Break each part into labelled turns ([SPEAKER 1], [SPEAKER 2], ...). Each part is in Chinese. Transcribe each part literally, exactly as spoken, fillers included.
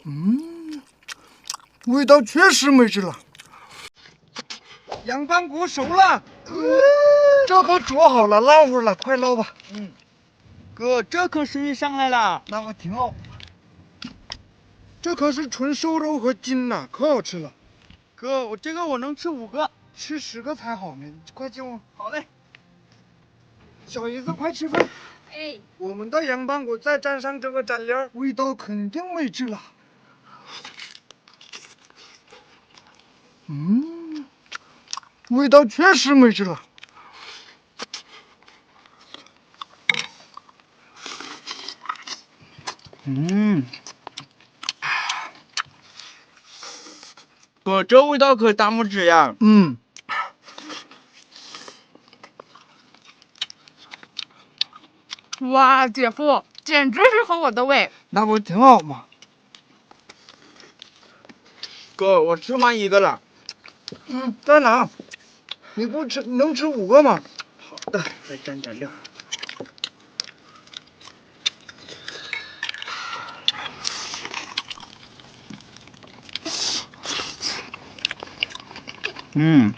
[SPEAKER 1] 嗯，味道确实没治了。羊板骨熟了，这可煮好了，捞会儿了，快捞吧。
[SPEAKER 2] 嗯，哥，这可生意上来了，
[SPEAKER 1] 那可挺好。这可是纯瘦肉和筋呐，可好吃了。
[SPEAKER 2] 哥，我这个我能吃五个，
[SPEAKER 1] 吃十个才好呢，快进屋。
[SPEAKER 2] 好嘞。
[SPEAKER 1] 小姨子，快吃饭。
[SPEAKER 3] 哎，
[SPEAKER 1] 我们的羊板骨再蘸上这个蘸料，味道肯定没治了。嗯，味道确实没治了。
[SPEAKER 2] 嗯，哥，这味道可大拇指呀。
[SPEAKER 1] 嗯，
[SPEAKER 3] 哇，姐夫，简直是合我的胃。
[SPEAKER 1] 那不挺好吗？
[SPEAKER 2] 哥，我吃完一个了。
[SPEAKER 1] 嗯，再拿。你不吃，你能吃五个吗？好的，再蘸点料。
[SPEAKER 2] 嗯，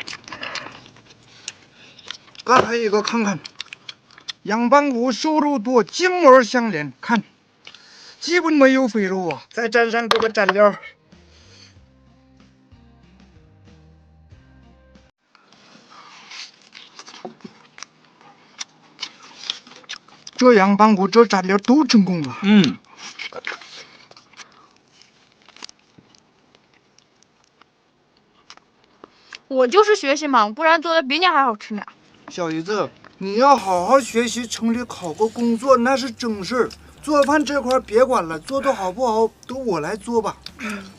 [SPEAKER 1] 再来一个看看。羊板骨瘦肉多，筋膜相连，看，基本没有肥肉啊。再蘸上这个蘸料。这羊板骨这蘸料都成功了。
[SPEAKER 2] 嗯，
[SPEAKER 3] 我就是学习忙，不然做的比你还好吃呢。
[SPEAKER 1] 小姨子，你要好好学习，城里考个工作那是正事儿。做饭这块别管了，做的好不好都我来做吧。
[SPEAKER 3] 嗯。